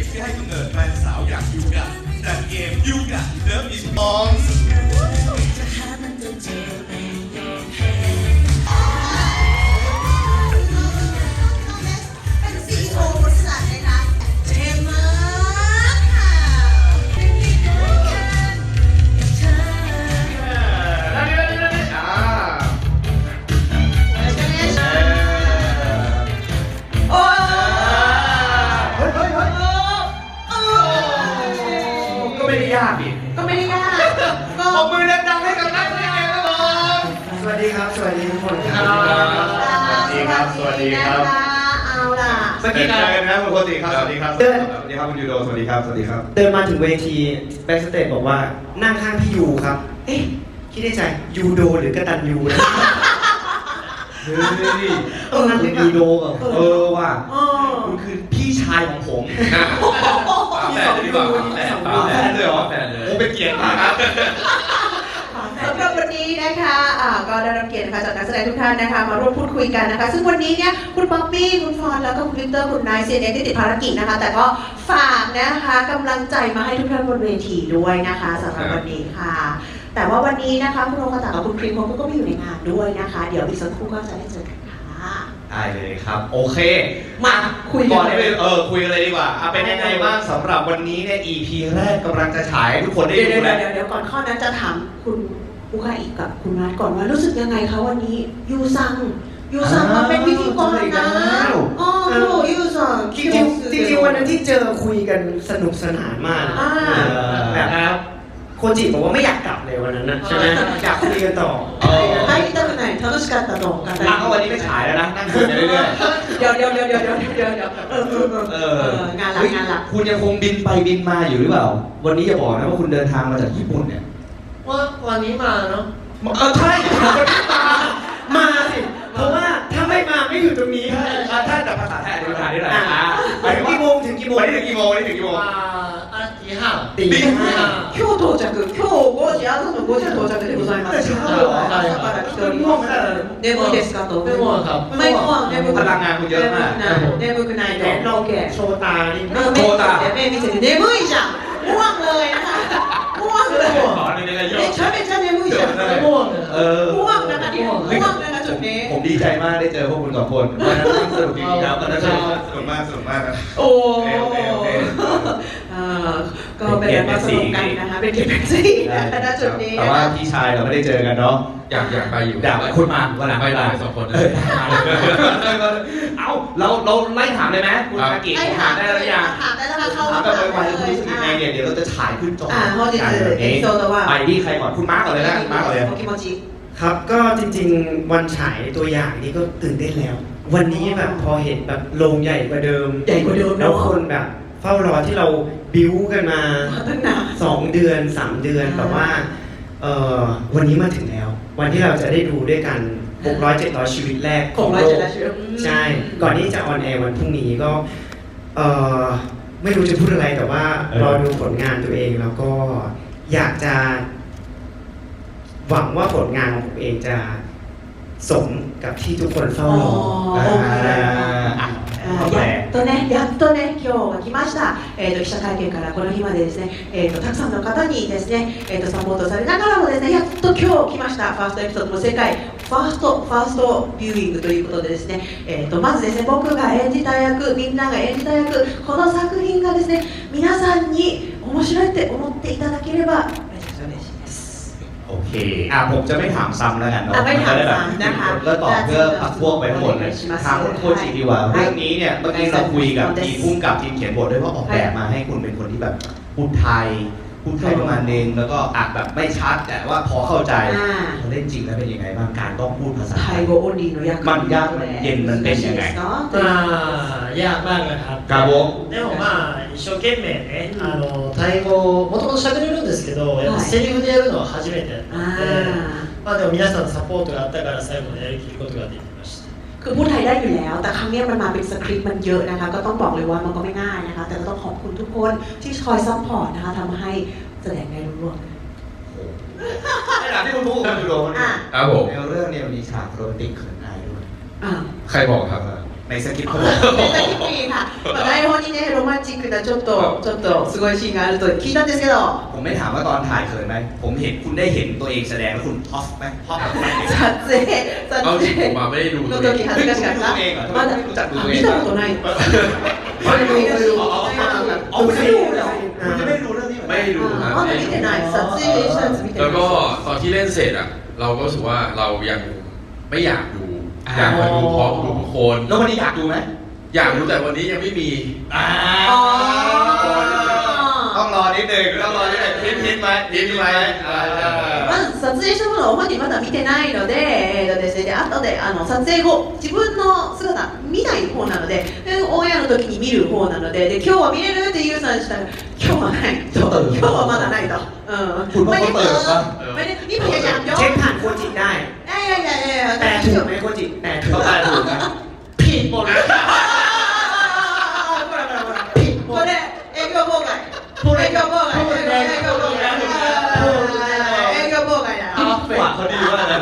ที่ให้กำเนิดแฟนสาวอย่างยูกะจากเกมยูกะเลิฟอินบอลก็ไม่ได้ยากก็ปรบมือดังๆให้กับนักแสดงครับผมสวัสดีครับสวัสดีทุกคนครับสวัสดีครับสวัสดีครับเอาล่ะสวัสดีกันนะคุณโคติครับสวัสดีครับสวัสดีครับคุณยูโดสวัสดีครับสวัสดีครับเดินมาถึงเวทีแบ็กสเตจบอกว่านั่งข้างพี่ยูครับเอ๊ะคิดในใจยูโดหรือกตันยูนะเฮ้ยนั่นคือยูโดแบบว่ะคุณคือพี่ชายของผมแฟนหรือเปล่าแฟนเลยเหรอแฟนเลยโอ้เป็นเกียรติมากครับสำหรับวันนี้นะคะก็ได้รับเกียรตินะคะจากนักแสดงทุกท่านนะคะมาร่วมพูดคุยกันนะคะซึ่งวันนี้เนี่ยคุณป๊อปปี้คุณฟอนแล้วก็คุณวิกเตอร์คุณนายเซียนที่ติดภารกิจนะคะแต่ก็ฝากนะคะกำลังใจมาให้ทุกท่านบนเวทีด้วยนะคะสำหรับวันนี้ค่ะแต่ว่าวันนี้นะคะคุณโรคาตะกับคุณครีมก็ไม่อยู่ในงานด้วยนะคะเดี๋ยวอีกสักครู่ก็จะได้เจอกันค่ะได้เลยครับโอเคมาคุยก่อนได้เลยคุยกันเลยดีกว่าเป็นยังไงบ้างสำหรับวันนี้เนี่ย EP แรกกำลังจะฉายทุกคนได้ดูแล้วเดี๋ยวก่อนข้อนั้นจะถามคุณอุคาอิกับคุณนัทก่อนว่ารู้สึกยังไงคะวันนี้ยูซังมาเป็นพิธีกรนะยูซังจริงวันนั้นที่เจอคุยกันสนุกสนานมากแบบโคจิบอกว่าไม่อยากกลับเลยวันนั้นนะใช่ไหมอยากคุยกันต่อให้ตั้งไหน楽しかったとกันแต่ก็วันนี้ไม่ฉายแล้วนะนั่งคุยกันเรื่อยๆเดี๋ยวงานหลักคุณยังคงบินไปบินมาอยู่หรือเปล่าวันนี้อย่าบอกนะว่าคุณเดินทางมาจากญี่ปุ่นเนี่ยว่าวันนี้มาเนาะใช่วันนี้มาสิเพราะว่าถ้าไม่มาไม่อยู่ตรงนี้ถ้าแต่ภาษาไทยอธิบายได้หน่อยไปถึงกี่โมงถึงกี่โมงวันนี้ถึงกี่โมงตีห้า今日到着今日5時朝の5時到着でございます朝から来ております眠いですかとไม่ง่วงครับไม่ง่วงพลังงานคุณเยอะมาก眠くないでเราแก่โชตานี่目見せて眠いじゃんง่วงเลยนะคะง่วงเลยめちゃめちゃ眠いじゃんง่วงง่วงนะคะง่วงนะคะจุดนี้ผมดีใจมากได้เจอพวกคุณสองคนวันนั้นสนุกจริงๆครับวันนั้นสนุกมากนะโอ้ก็เป็นการสนุกกันนะคะเป็นเกียรติเป็นสีณจุดนี้แต่ว่าพี่ชายเราไม่ได้เจอกันเนาะอยากไปอยู่อยากคุณมาวันหลังไปได้ 2 คนเอาเราไล่ถามเลยไหมคุณอากิถามได้แล้วยังถามได้แล้วค่ะเข้าถามแบบไวๆคุณรู้สึกยังไงเนี่ยเดี๋ยวเราจะฉายขึ้นจอไปที่ใครก่อนคุณมาร์กก่อนเลยนะมาร์กก่อนเลยครับก็จริงๆวันฉายตัวอย่างนี้ก็ตื่นเต้นแล้ววันนี้แบบพอเห็นแบบโรงใหญ่กว่าเดิมแล้วคนแบบเฝ้ารอที่เราบิ้วกันมา2 เดือน 3 เดือนแบบว่าวันนี้มาถึงแล้ววันที่เราจะได้ดูด้วยกัน600-700 ชีวิตแรกของโลกใช่ก่อนที่จะออนแอร์วันพรุ่งนี้ก็ไม่รู้จะพูดอะไรแต่ว่ารอดูผลงานตัวเองแล้วก็อยากจะหวังว่าผลงานของผมเองจะสมกับที่ทุกคนเฝ้ารอやっとね今日が来ました、記者会見からこの日までですね、たくさんの方にですね、サポートされながらもですねやっと今日来ましたファーストエピソードの世界ファーストビューイングということでですね、まずですね僕が演じた役みんなが演じた役この作品がですね皆さんに面白いって思っていただければめちゃくちゃ嬉しいですโอเคผมจะไม่ถามซ้ำแล้วกันเนาะไม่ถามซ้ำนะคะก็ตอบเพื่อพักพวกไปทั้งหมดเลยถามคุณโคจิดีกว่าเรื่องนี้เนี่ยเมื่อกี้เราคุยกับทีมพุ่งกับทีมเขียนบทด้วยว่าออกแบบมาให้คุณเป็นคนที่แบบพูดไทยประมาณนึงแล้วก็อาจแบบไม่ชัดแต่ว่าพอเข้าใจเล่นจริงแล้วเป็นยังไงบ้างการต้องพูดภาษาไทยมันยากมันเย็นมันเป็นยังไงยากมากนะครับครับผมでも一生懸命ねタイ語もともと喋れるんですけどやっぱセリフでやるのは初めてだったのででも皆さんのサポートがあったから最後までやりきることができましたคือพูดไทยได้อยู่แล้วแต่ครั้งนี้มันมาเป็นสคริปต์มันเยอะนะคะก็ต้องบอกเลยว่ามันก็ไม่ง่ายนะคะแต่ก็ต้องขอบคุณทุกคนที่คอยซัพพอร์ตนะคะทำให้แสดงได้รู้ร่วงในหนังที่คุณพูดคุณดูครับผมในเรื่องเนี่ยมีฉากโรแมนติกเขินอายด้วยใครบอกครับในสคริปต์เขาบอกネタキップにまあ台本にねロマンチックなちょっとすごいシーンがあると聞いたんですけどผมไม่ถามว่าตอนถ่ายเขินไหมผมเห็นคุณได้เห็นตัวเองแสดงแล้วคุณท็อปไหมท็อปแบบไหน撮影เอาจริงผมมาไม่ได้ดูのตัวเอง時恥ずかしかったまだ見たことないไม่ดูเอาไม่ดูเหรอคุณจะไม่ดูเรื่องนี้เหรอไม่ได้ดูครับまだ見てない撮影したやつ見てแล้วないก็ตอนที่เล่นเสร็จอ่ะเราก็รู้สึกว่าเรายังไม่อยากดูอยากมาดูพร้อมทุกคนแล้ววันนี้อยากดูไหมอยากดูแต่วันนี้ยังไม่มีต้องรอนิดนึงต้องรอนิดนึงพิมพ์ไหมพิมพ์ไหมまず撮影したものを本人まだ見てないので、ですね、で後で撮影後自分の姿見ない方なので、オンエアの時に見る方なので、今日は見れるっていうさんしたら今日はないと、今日はまだないと。ไม่ได้นี่พยายามย้อนเช็คผ่านโคจิได้いやแต่ถูกไหมโคจิแต่ถูกเขาตายถูกนะผิดหมดเลยこれ営業妨害営業妨害だหวานเขาดีมากนะ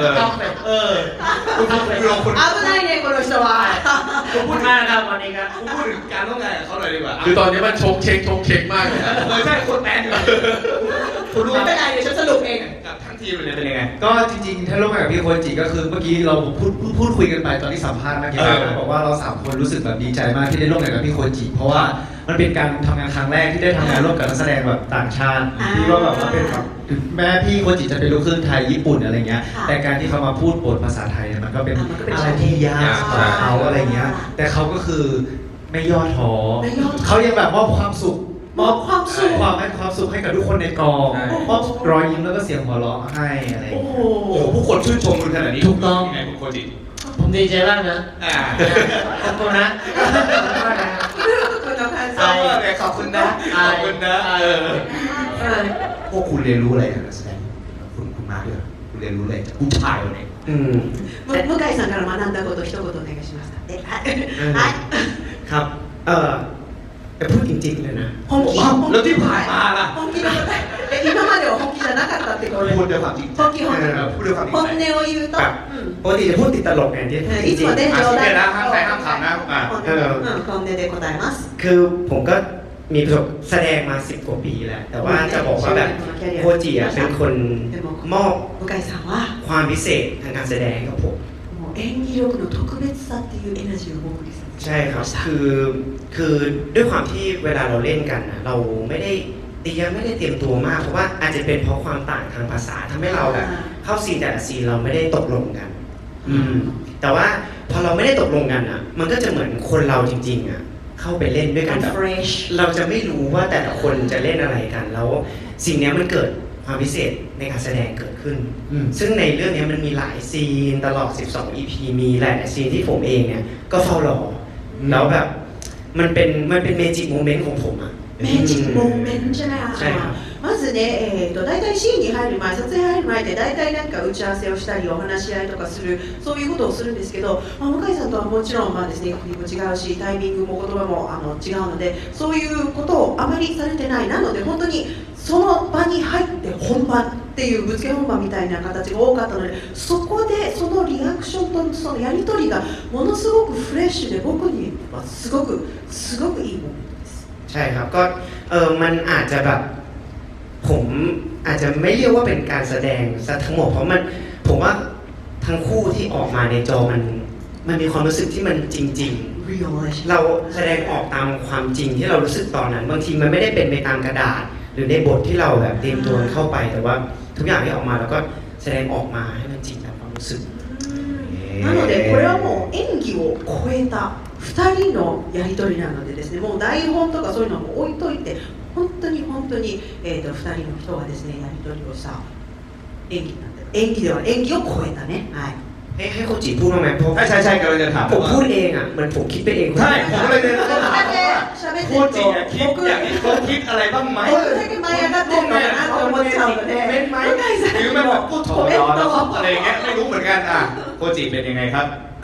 คุณ危ないねこの人はขอบคุณมากนะครับวันนี้ครับพูดถึงการร่วมงานกับเขาหน่อยดีกว่าคือตอนนี้มันชกเช็คมากเลยนะใช่คนแมนอยู่คุณรู้ไม่ไหมเป็นไรเดี๋ยวฉันสรุปเองกับทั้งทีมเลยเป็นยังไงก็จริงๆ ถ้าร่วมงานกับพี่โคจิก็คือเมื่อกี้เราพูดคุยกันไปตอนที่สัมภาษณ์เมื่อกี้บอกว่าเราสามคนรู้สึกแบบดีใจมากที่ได้ร่วมงานกับพี่โคจิเพราะว่ามันเป็นการทำงานครั้งแรกที่ได้ทำงานร่วมกับนักแสดงแบบต่างชาติที่ว่าแบบว่าเป็นแบบถึงแม้พี่โคจิจะเป็นลูกครึ่งไทยญี่ปุ่นอะไรเงี้ยแต่การที่เขามาพูดบทภาษาไทยเนี่ยมันก็เป็นอะไรที่ยากสำหรับเขาอะไรเงี้ยแต่เขาก็คือไม่ย่อท้อเขายังแบบมอบความสุขมอบความสุขความให้ความสุขให้กับทุกคนในกองมอบรอยยิ้มแล้วก็เสียงหัวเราะให้อะไรอย่างโอ้เงี้ยโหโอ้โหผู้คนชื่นชมคุณขนาดนี้ถูกต้องยังไงคุณโคจิผมดีใจมากนะ ขอบคุณนะคุณの感想ขอบคุณนะขอบคุณนะพวกคุณเรียนรู้อะไรจากนักแสดงคุณมาด้วยคุณเรียนรู้อะไรจากผู้ชายคนนี้向井さんから学んだこと一言お願いしますはいครับแต่พูดจริงๆเลยนะ本気แล้วที่ผ่านมาล่ะ本気の答え今までは本気じゃなかったってことでพูดด้วยความจริงใจ本気พูดด้วยความจริง本ใจ音を言うとแบบปกติจะพูดติดตลกไงที่จいริつงもねอ่ะ冗เดี๋ยวนะ談ห้ามใครห้ามขำนะ本音で答えますๆคือผมก็มีประสบแสดงมา10 กว่าปีแล้ว แต่ว่าจะบอกว่าแบบโคจิอ่ะเป็นคนมอบ向井さんはความพิเศษทางการแสดงให้กับผมもう演技力の特別さっていうエナジーを僕にใช่ครับ คือด้วยความที่เวลาเราเล่นกันนะเราไม่ได้เตรียมตัวมากเพราะว่าอาจจะเป็นเพราะความต่างทางภาษาทำให้เราแบบเข้าซีนแต่ละซีนเราไม่ได้ตกลงกัน แต่ว่าพอเราไม่ได้ตกลงกันอ่ะ มันก็จะเหมือนคนเราจริงๆอ่ะเข้าไปเล่นด้วยกันแบบ fresh เราจะไม่รู้ว่าแต่ละคนจะเล่นอะไรกันแล้วสิ่งเนี้ยมันเกิดความพิเศษในการแสดงเกิดขึ้น ซึ่งในเรื่องนี้มันมีหลายซีนตลอด 12 EP มีหลายซีนที่ผมเองเนี่ยก็เฝ้ารอแล้วแบบมันเป็นเมจิกโมเมนต์ของผมอะメージックモーメントじゃないまずね、大体シーンに入る前、撮影入る前って大体なんか打ち合わせをしたりお話し合いとかするそういうことをするんですけど、向井さんとはもちろんまあですね、国も違うしタイミングも言葉も違うのでそういうことをあまりされてないなので本当にその場に入って本番っていうぶつけ本番みたいな形が多かったのでそこでそのリアクションとそのやり取りがものすごくフレッシュで僕にはすごくいいモーメントです。 ใช่ครับก็มันอาจจะแบบผมอาจจะไม่เรียกว่าเป็นการแสดงซะทั้งหมดเพราะผมว่าทั้งคู่ที่ออกมาในจอมันมีความรู้สึกที่มันจริง ๆ เราแสดงออกตามความจริงที่เรารู้สึกตอนนั้นบางทีมันไม่ได้เป็นไปตามกระดาษ หรือในบทที่เราแบบเตรียมตัวเข้าไปแต่ว่าทุกอย่างที่ออกมาเราก็แสดงออกมาให้มันจริงตามความรู้สึกなのでこれはもう演技を超えた2人のやり取りなのでですねもう台本とかそういうのも置いといて本当に、2人の人がですねやり取りをした演技なんで演技では演技を超えたねはいให้โคจิพูดบ้างไหมเพราะใช่กำลังจะถามผมพูดเองอ่ะเหมือนผมคิดไปเองใช่ผมก็เลยเนี่ย喋ってโคจิคิดอย่างนี้เขาคิดอะไรบ้างไหม僕だけ舞い上がってるのかなって思っちゃうので向井さんหรือมันแบบพูดถอดรอแล้วอะไรอย่างเงี้ยไม่รู้เหมือนกันอ่ะโคจิเป็นยังไงครับ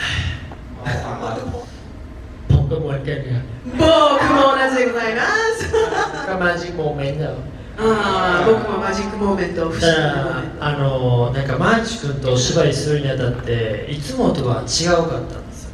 ผมก็เหมือนกันครับ僕も同じでございますก็มาจิกโมเมนต์だよ僕もマジックモーメント不思議だかなモーメントらなんかマーチ君とお芝居するにあたっていつもとは違うかったんですよ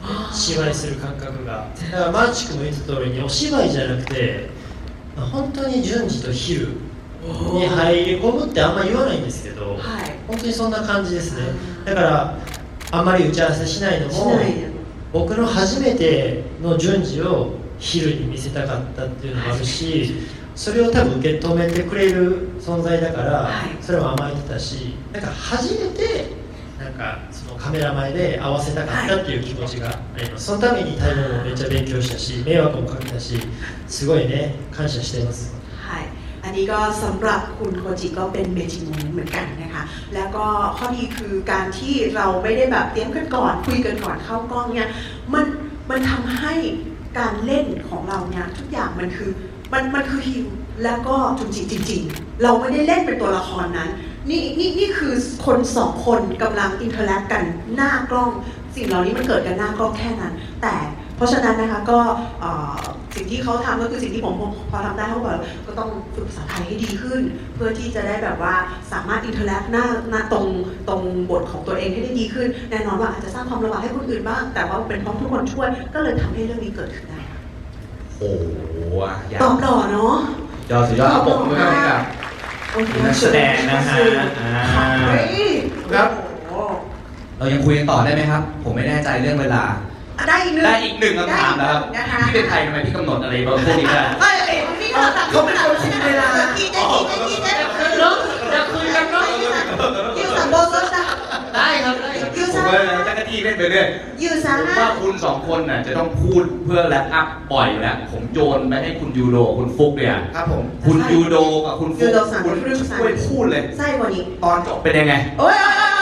芝居する感覚がだからマーチ君も言った通りにお芝居じゃなくて本当に順次と昼に入り込むってあんま言わないんですけど、 はい本当にそんな感じですね。だからあんまり打ち合わせしないのもしないで僕の初めての順次を昼に見せたかったっていうのもあるし、それを多分受け止めてくれる存在だから、 はいそれも甘えてたし、なんか初めてなんかそのカメラ前で合わせたかったっていう気持ちがあります。そのためにタイ語もめっちゃ勉強したし、迷惑もかけたし、すごいね感謝してます。 はいอันนี้ก็สำหรับคุณโคจิก็เป็นเมจิมูนเหมือนกันนะคะแล้วก็ข้อดีคือการที่เราไม่ได้แบบเตรียมกันก่อนคุยกันก่อนเข้ากล้องเนี่ยมันทำให้การเล่นของเราเนี่ยทุกอย่างมันคือฮิวแล้วก็จริงเราไม่ได้เล่นเป็นตัวละครนั้นนี่คือคนสองคนกำลังอินเทอร์แลกกันหน้ากล้องสิ่งเหล่านี้มันเกิดกันหน้ากล้องแค่นั้นแต่เพราะฉะนั้นนะคะก็สิ่งที่เขาทำก็คือสิ่งที่ผมพอทำได้เขาบอกก็ต้องฝึกภาษาไทยให้ดีขึ้นเพื่อที่จะได้แบบว่าสามารถอินเทอร์แลกหน้าตรงบทของตัวเองให้ได้ดีขึ้นแน่นอนว่าอาจจะสร้างความลำบากให้คนอื่นบ้างแต่ว่าเป็นเพราะทุกคนช่วยก็เลยทำให้เรื่องนี้เกิดขึ้นได้โอ้โหอยากตอบหล่อเนาะยอดสุดยอดเอาปกมือให้กับโอเคนักแสดงนะฮะครับ เรายังคุยกันต่อได้ไหมครับ ผมไม่แน่ใจเรื่องเวลาได้อีกหนึ่งได้อีกหนึ่งคำถามแล้วครับนะคะพี่เป็นใครทำไมพี่กำหนดอะไรพวกนี้ได้พี่ก็ตัดเขาเป็นคนคุมเวลาคิดเนาะอยากคุยกันเนาะยูสันโบโซสได้ครับยูผมซันก็จักรจี้เล่นไปเรื่อยยูซันผมว่าคุณสองคนน่ะจะต้องพูดเพื่อแลปอัพบ่อยอยู่แล้วผมโยนไปให้คุณยูโดคุณฟุกเนี่ยครับผมคุณยูโดกับคุณฟุกคุณช่วยพูดเลยไส้กว่านี้ตอนจบเป็นยังไงโอ้ย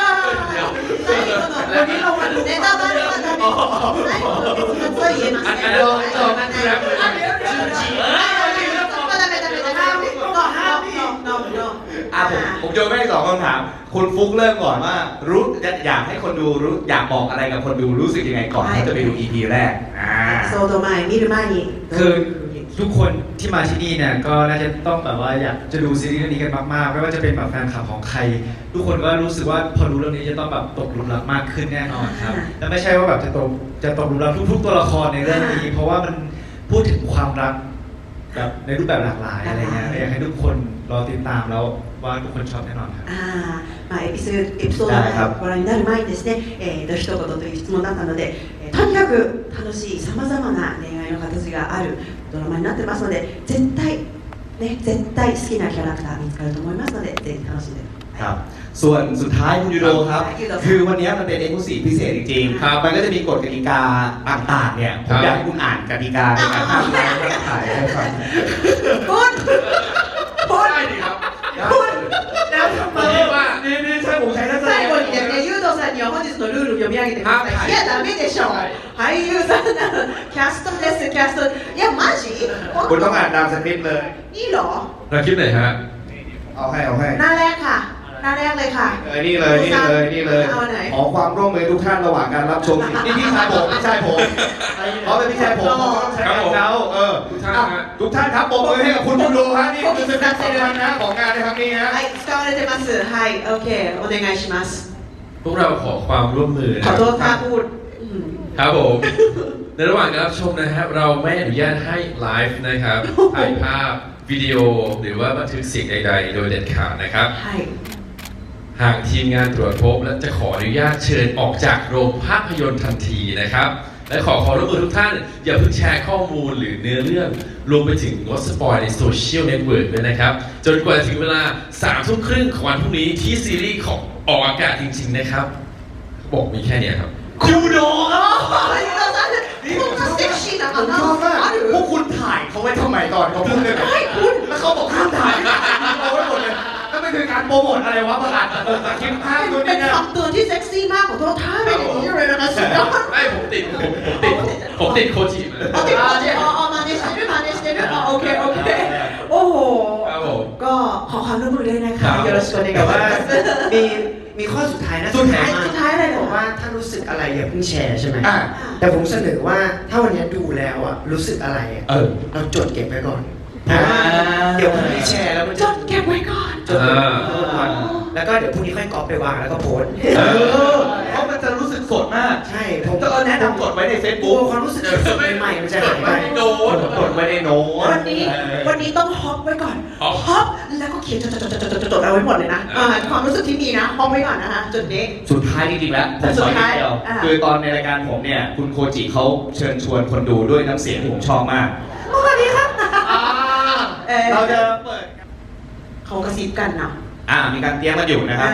วันนี้เรามาดูในตอนนี้มันจะมีไส้กว่านี้มันช่วยเย็นมากเลยผมโยนไปให้สองคำถาม คุณฟุกเริ่มก่อนว่ารู้อยากให้คนดูรู้อยากบอกอะไรกับคนดูรู้สึกยังไงก่อนที่จะไปดู EP แรกโซโตไมมิรุมานิคือทุกคนที่มาที่นี่เนี่ยก็น่าจะต้องแบบว่าอยากจะดูซีรีส์เรื่องนี้กันมากๆไม่ว่าจะเป็นแบบแฟนคลับของใคร ทุกคนก็รู้สึกว่าพอรู้เรื่องนี้จะต้องแบบตกหลุมรักมากขึ้นแน่นอนครับและไม่ใช่ว่าแบบจะตกหลุมรักทุกตัวละครในเรื่องนี้ เพราะว่ามันพูดถึงความรักแบบในรูปแบบหลากหลายอะไรเงี้ยอยากให้ทุกคนรอติดตามแล้วว่าทุกคนชอบแน่นอนครับエピソードをご覧になる前にですね、一言という質問だったので、とにかく楽しいさまざまな恋愛の形があるドラマになってますので、絶対好きなキャラクター見つかると思いますので、ぜひ楽しんでครับ ส่วนสุดท้ายคุณยูโดครับ คือวันนี้มันเป็นเอ็กซ์คลูซีฟพิเศษจริงๆครับมันก็จะมีกฎกติกาต่างๆเนี่ยผมอยากให้คุณอ่านกติกาในการทำงานและถ่ายให้ฟังพูดได้ดีครับแล้วทำไมว่านี่ใช่ผมใช้นักแสดง最後にですね、ユードさんには本日のルールを読み上げてください。いや、ダメでしょ。俳優さんなの、キャストです、キャスト。いや、マジคุณต้องอ่านตามสคริปต์เลยいいのเราคิดไหนฮะเอาให้หน้าแรกค่ะ หน้าแรกเลยค่ะนี่เลยเอาไหนขอความร่วมมือทุกท่านระหว่างการรับชมนี่พี่ชายผมเพราะเป็นพี่ชายผมก็ต้องใช้งานเขาทุกท่านครับปรบมือให้กับคุณยูโดฮะนี่คือเป็นสำคัญนะของงานในครั้งนี้ฮะはい、使われてます。はい、OK、お願いします。 พวกเราขอความร่วมมือนะขอโทษค่ะพูดครับผมในระหว่างการรับชมนะครับเราไม่อนุญาตให้ไลฟ์นะครับถ่ายภาพวิดีโอหรือว่าบันทึกเสียงใดๆโดยเด็ดขาดนะครับはい。 หากทีมงานตรวจพบและจะขออนุญาตเชิญออกจากโรงภาพยนตร์ทันทีนะครับและขอร่วมมือทุกท่านอย่าเพิ่งแชร์ข้อมูลหรือเนื้อเรื่องรวมไปถึงงดสปอยในโซเชียลเน็ตเวิร์กด้วยนะครับจนกว่าจะถึงเวลา 3 ทุ่มครึ่งของวันพรุ่งนี้ที่ซีรีส์ของออกอากาศจริงๆนะครับบอกมีแค่เนี้ยครับยูโดครับユードさん、こんなセクシーなผมชอบมากあるพวกคุณถ่ายเขาไว้ทำไมตอนเขาพูดเลยแล้วเขาบอกห้ามถ่ายเอาไว้หมดเลยแล้วมันคือการโปรโมทอะไรวะประกาศคลิปภาพนู่นเป็นี่นนะคำเตือนที่เซ็กซี่มากของตัวท่าเป็นอย่างนี้เลยนะคะสุดยอดไม่ผมติดโคจิมาอ๋อติดมาเนี่ยอ๋อมาเนี่ยมาเนี่ยอ๋อโอเคโอ้โหครับผมก็ขอความร่วมมือด้วยนะคะよろしくお願いしแต่まว่าすมีข้อสุดท้ายนะสุดท้ายอะไรเหรบออกว่าถ้ารู้สึกอะไรอย่าเพิ่งแชร์ใช่ไหมอ่ะแต่ผมเสนอว่าถ้าวันนี้ดูแล้วอ่ะรู้สึกอะไรอะเราจดเก็บไว้ก่อนเพราะว่าเดี๋ยวมันไม่แชร์แล้วมันจจะดเก็บไว้ก่อนจนอ่าวันแล้วก็เดี๋ยวพรุ่งนี้ค่อยก๊อปไปวางแล้วก็โพสต์เพราะมันจะรู้สึกสดมากใช่ผมก็แนะนำกดไว้ในกลั Facebook วความรู้สึกสดใหม่ๆมันจะหายไปโดนกดไว้ในโน้ตวันนี้ต้องฮอปไว้ก่อน ฮอปแล้วก็เขียนจดเอาไว้หมดเลยนะความรู้สึกที่มีนะฮอปไว้ก่อนนะคะจุดนี้สุดท้ายจริงๆแล้วผมขอนิดเดียว คือตอนในรายการผมเนี่ย คุณโคจิเขาเชิญชวนคนดูด้วยน้ำเสียงที่ผมชอบมากสวัสดีครับเราจะเปิดเขากระซิบกันนะมีการเตรียมกันอยู่นะครับ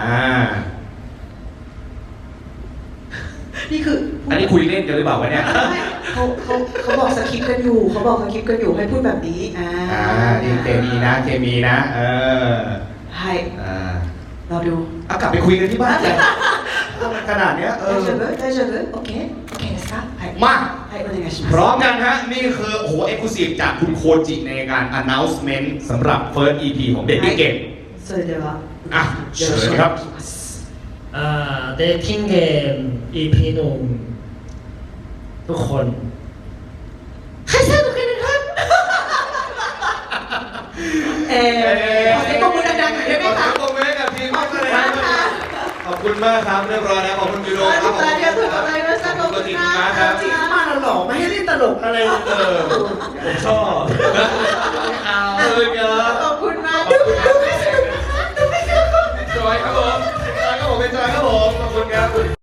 นี่คืออันนี้คุยเล่นกันหรือเปล่าวะเนี่ยเขาบอกสคริปต์กันอยู่เขาบอกสคริปต์กันอยู่ให้พูดแบบนี้นี่เคมีนะ เคมีนะให้เราดูเอากลับไปคุยกันที่บ้านเลยขนาดเนี้ย大丈夫大丈夫オッケーオッケーですかはいมาはいお願いしพまร้อมกันฮะ นี่คือโอ้โหเอ็กซ์คลูซีฟจากคุณโคจิในการ announcement สำหรับ first EP ของ Baby Game すそれではเชิญครับเดทติ้งเกม EP หนึ่งทุกคนให้สนุกกันนะครับขอเสียงปรบมือดังๆหน่อยได้ไหมคะขอบคุณมากกับทีมมากเลยครับขอบคุณมากครับเรียบร้อยนะขอบคุณยูโรครับありがとうございましたขอบคุณจริงมากครับจริงๆมาเราหล่อไม่ให้เล่นตลกอะไรผมชอบขอบคุณมากดูไม่สนุกนะคะดูไม่สนุกจอยครับผมเป็นจอยครับผมขอบคุณครับ